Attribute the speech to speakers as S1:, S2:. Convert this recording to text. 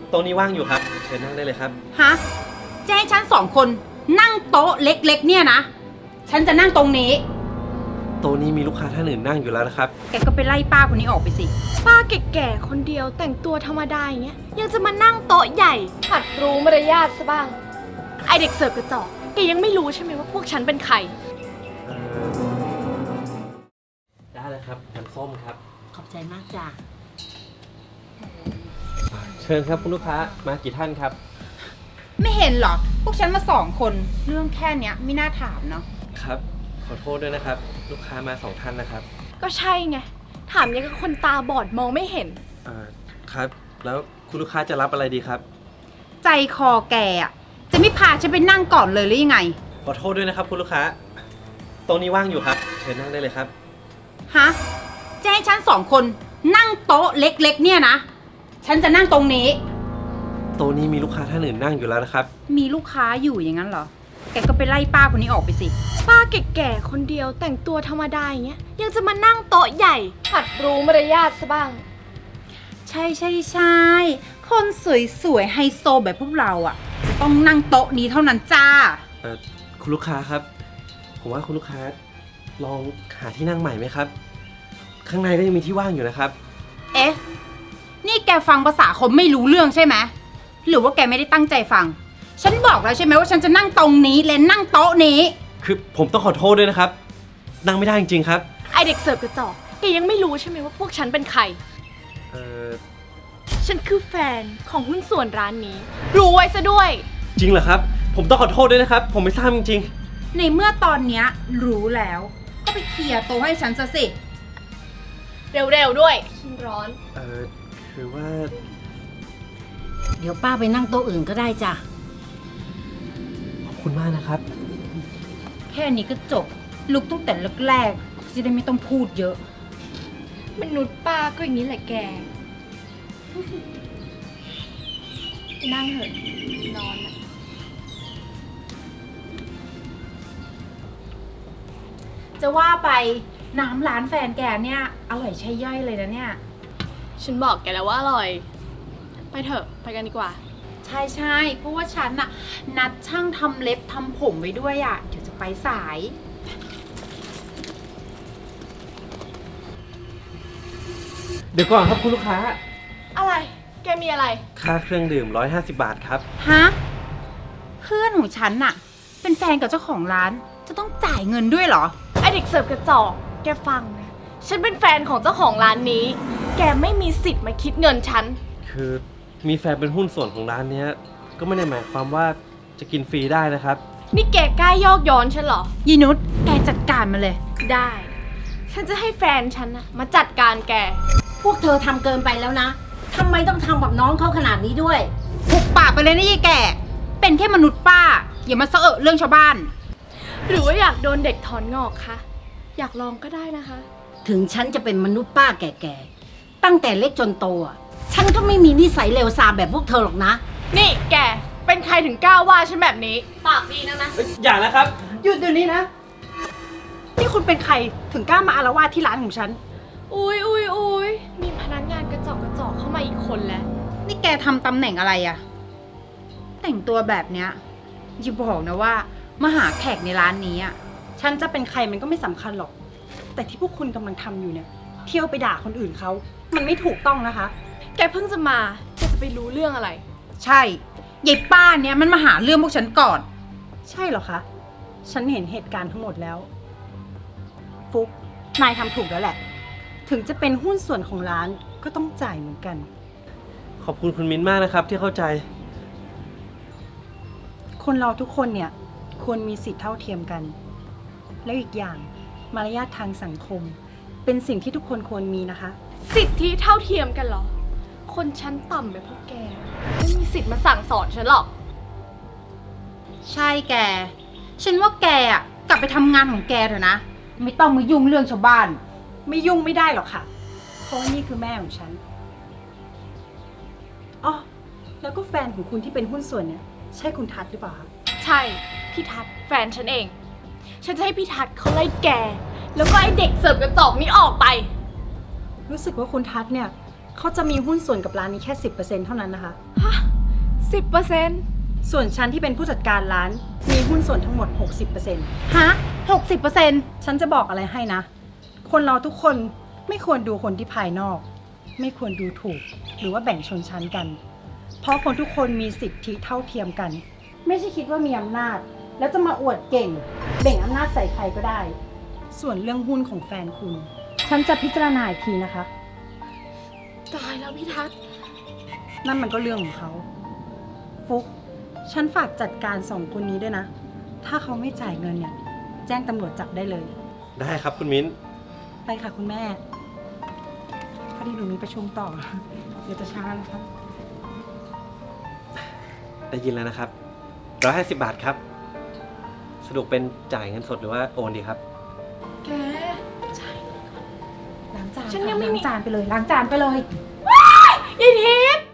S1: โต๊ะนี้ว่างอยู่ครับเชิญนั่งได้เลยครับ
S2: ฮะจะให้ฉัน2 คนนั่งโต๊ะเล็กๆเนี่ยนะฉันจะนั่งตรงนี้
S1: โต๊ะนี้มีลูกค้าท่านอื่นนั่งอยู่แล้วนะครับ
S2: แกก็ไปไล่ป้าคนนี้ออกไปสิ
S3: ป้าแก่ๆคนเดียวแต่งตัวธรรมดาอย่างเงี้ยยังจะมานั่งโต๊ะใหญ่หัดรู้มารยาทซะบ้างไอเด็กเสิร์ฟกระจอกแกยังไม่รู้ใช่ไหมว่าพวกฉันเป็นใคร
S1: ได้เลยครับน้ำส้มครับ
S2: ขอบใจมากจ้ะ
S1: เชิญครับคุณลูกค้ามากี่ท่านครับ
S2: ไม่เห็นหรอพวกฉันมา2 คนเรื่องแค่เนี้ยไม่น่าถามเนาะ
S1: ครับขอโทษด้วยนะครับลูกค้ามา2 ท่านนะครับ
S3: ก็ใช่ไงถามยังกับคนตาบอดมองไม่เห็น
S1: ครับแล้วคุณลูกค้าจะรับอะไรดีครับ
S2: ใจคอแกอะจะไม่พาฉันไปนั่งก่อนเลยหรือยังไง
S1: ขอโทษด้วยนะครับคุณลูกค้าโต๊ะนี้ว่างอยู่ครับเชิญนั่งได้เลยครับ
S2: ฮะจะให้ฉัน2 คนนั่งโต๊ะเล็กๆเนี่ยนะฉันจะนั่งตรงนี้
S1: โต๊ะนี้มีลูกค้าท่านอื่นนั่งอยู่แล้วนะครับ
S2: มีลูกค้าอยู่อย่างนั้นเหรอแกก็ไปไล่ป้าคนนี้ออกไปสิ
S3: ป้าแก่ๆคนเดียวแต่งตัวธรรมดาอย่างเงี้ยยังจะมานั่งโต๊ะใหญ่หัดรู้มารยาทซะบ้าง
S2: ใช่คนสวยๆไฮโซแบบพวกเราอ่ะจะต้องนั่งโต๊ะนี้เท่านั้นจ้า
S1: คุณลูกค้าครับผมว่าคุณลูกค้าลองหาที่นั่งใหม่ไหมครับข้างในก็ยังมีที่ว่างอยู่นะครับ
S2: เอ๊ะนี่แกฟังภาษาคนไม่รู้เรื่องใช่ไหมหรือว่าแกไม่ได้ตั้งใจฟังฉันบอกแล้วใช่ไหมว่าฉันจะนั่งตรงนี้และนั่งโต๊ะนี้
S1: คือผมต้องขอโทษด้วยนะครับนั่งไม่ได้จริงๆครับ
S3: ไอเด็กเสิร์ฟกระจอกแกยังไม่รู้ใช่ไหมว่าพวกฉันเป็นใครฉันคือแฟนของหุ้นส่วนร้านนี้รู้ไว้ซะด้วย
S1: จริงเหรอครับผมต้องขอโทษด้วยนะครับผมไม่ทราบจริง
S2: ๆในเมื่อตอนเนี้ยรู้แล้วก็ไปเคลียร์โต๊ะให้ฉันซะสิ
S3: เร็วๆด้วยฉันร้อน
S1: คือว่า
S2: เดี๋ยวป้าไปนั่งโต๊ะอื่นก็ได้จ้ะ
S1: ขอบคุณมากนะครับ
S2: แค่นี้ก็จบลุกตั้งแต่แรกๆจะได้ไม่ต้องพูดเยอะ
S3: มนุษย์ป้าก็อย่างนี้แหละแกนั่งเถอะนอนนะ
S2: จะว่าไปน้ำร้านแฟนแกเนี่ยอร่อยใช่ย่อยเลยนะเนี่ย
S3: ฉันบอกแกแล้วว่าอร่อยไปเถอะไปกันดีกว่า
S2: ใช่เพราะว่าฉันน่ะนัดช่างทำเล็บทำผมไว้ด้วยอ่ะเดี๋ยวจะไปสาย
S1: เดี๋ยวก่อนครับคุณลูกค้า
S3: อะไรแกมีอะไร
S1: ค่าเครื่องดื่ม150 บาทครับ
S2: ฮะเพื่อนของฉันน่ะเป็นแฟนกับเจ้าของร้านจะต้องจ่ายเงินด้วยเหรอ
S3: ไอเด็กเสิร์ฟกระจอกแกฟังนะฉันเป็นแฟนของเจ้าของร้านนี้แกไม่มีสิทธิ์มาคิดเงินฉัน
S1: คือมีแฟนเป็นหุ้นส่วนของร้านนี้ก็ไม่ได้หมายความว่าจะกินฟรีได้นะครับ
S3: นี่แกกล้ายอกย้อนฉันเหรอ
S2: ยีนุชแกจัดการมาเลย
S3: ได้ฉันจะให้แฟนฉันนะมาจัดการแก
S4: พวกเธอทำเกินไปแล้วนะทำไมต้องทำกับน้องเขาขนาดนี้ด้วย
S2: หุบปากไปเลยนะยายแก่เป็นแค่มนุษย์ป้าอย่ามาเสอะเรื่องชาวบ้าน
S3: หรือว่าอยากโดนเด็กถอนงอกคะอยากลองก็ได้นะคะ
S4: ถึงฉันจะเป็นมนุษย์ป้าแก่ๆตั้งแต่เล็กจนโตฉันก็ไม่มีนิสัยเลวทรามแบบพวกเธอหรอกนะ
S3: นี่แกเป็นใครถึงกล้าว่าฉันแบบนี้ปากดีนะ
S1: อย่านะครับ
S2: หยุดเดี๋ยวนี้นะนี่คุณเป็นใครถึงกล้ามาอาละวาดที่ร้านของฉัน
S3: อุ้ยมีพนักงานกระจอกเข้ามาอีกคนแล้ว
S2: นี่แกทำตำแหน่งอะไรอะแต่งตัวแบบเนี้ยอย่าบอกนะว่ามาหาแขกในร้านนี้อะ
S5: ฉันจะเป็นใครมันก็ไม่สำคัญหรอกแต่ที่พวกคุณกำลังทำอยู่เนี่ยเที่ยวไปด่าคนอื่นเขามันไม่ถูกต้องนะคะ
S3: แกเพิ่งจะมาแกจะไปรู้เรื่องอะไร
S2: ใช่ยายป้าเนี่ยมันมาหาเรื่องพวกฉันก่อน
S5: ใช่เหรอคะฉันเห็นเหตุการณ์ทั้งหมดแล้วฟุกนายทำถูกแล้วแหละถึงจะเป็นหุ้นส่วนของร้านก็ต้องจ่ายเหมือนกัน
S1: ขอบคุณคุณมิ้นมากนะครับที่เข้าใจ
S5: คนเราทุกคนเนี่ยควรมีสิทธิเท่าเทียมกันแล้วอีกอย่างมารยาททางสังคมเป็นสิ่งที่ทุกคนควรมีนะคะ
S3: สิทธิเท่าเทียมกันเหรอคนชั้นต่ำแบบพวกแกไม่มีสิทธิ์มาสั่งสอนฉันหรอก
S2: ใช่แกฉันว่าแกอะกลับไปทำงานของแกเถอะนะไม่ต้องมายุ่งเรื่องชาวบ้าน
S5: ไม่ยุ่งไม่ได้หรอกค่ะเพราะนี่คือแม่ของฉันอ๋อแล้วก็แฟนของคุณที่เป็นหุ้นส่วนเนี่ยใช่คุณทัศน์หรือเปล่าคะ
S3: ใช่พี่ทัศน์แฟนฉันเองฉันจะให้พี่ทัศน์เขาไล่แกแล้วก็ไอเด็กเสิร์ฟกระจอกนี้ออกไป
S5: รู้สึกว่าคุณทัศน์เนี่ยเขาจะมีหุ้นส่วนกับร้านนี้แค่ 10%เท่านั้นนะคะ
S3: 10%
S5: ส่วนฉันที่เป็นผู้จัดการร้านมีหุ้นส่วนทั้งหมด 60%
S2: ฮะ 60%
S5: ฉันจะบอกอะไรให้นะ คนเราทุกคนไม่ควรดูคนที่ภายนอก ไม่ควรดูถูกหรือว่าแบ่งชนชั้นกัน เพราะคนทุกคนมีสิทธิเท่าเทียมกัน ไม่ใช่คิดว่ามีอำนาจ แล้วจะมาอวดเก่งแบ่งอำนาจใส่ใครก็ได้ ส่วนเรื่องหุ้นของแฟนคุณ ฉันจะพิจารณาอีกทีนะคะ
S3: ตายแล้วพี่ทัศน์
S5: นั่นมันก็เรื่องของเขา ฟุก ฉันฝากจัดการสองคนนี้ด้วยนะ ถ้าเขาไม่จ่ายเงินเนี่ย แจ้งตำรวจจับได้เลย
S1: ได้ครับคุณมิ้น
S5: ไปค่ะคุณแม่พอดีหนูมีประชุมต่อ เดี๋ยวจะช้านะคะ
S1: ได้ยินแล้วนะครับ150 บาทครับ สรุปเป็นจ่ายเงินสดหรือว่าโอนดีครับ
S3: แก
S2: ล้างจาน
S3: ฉันยังไม่มี
S2: ล้างจานไปเลย ล้างจานไปเลย
S3: ยายทิพย์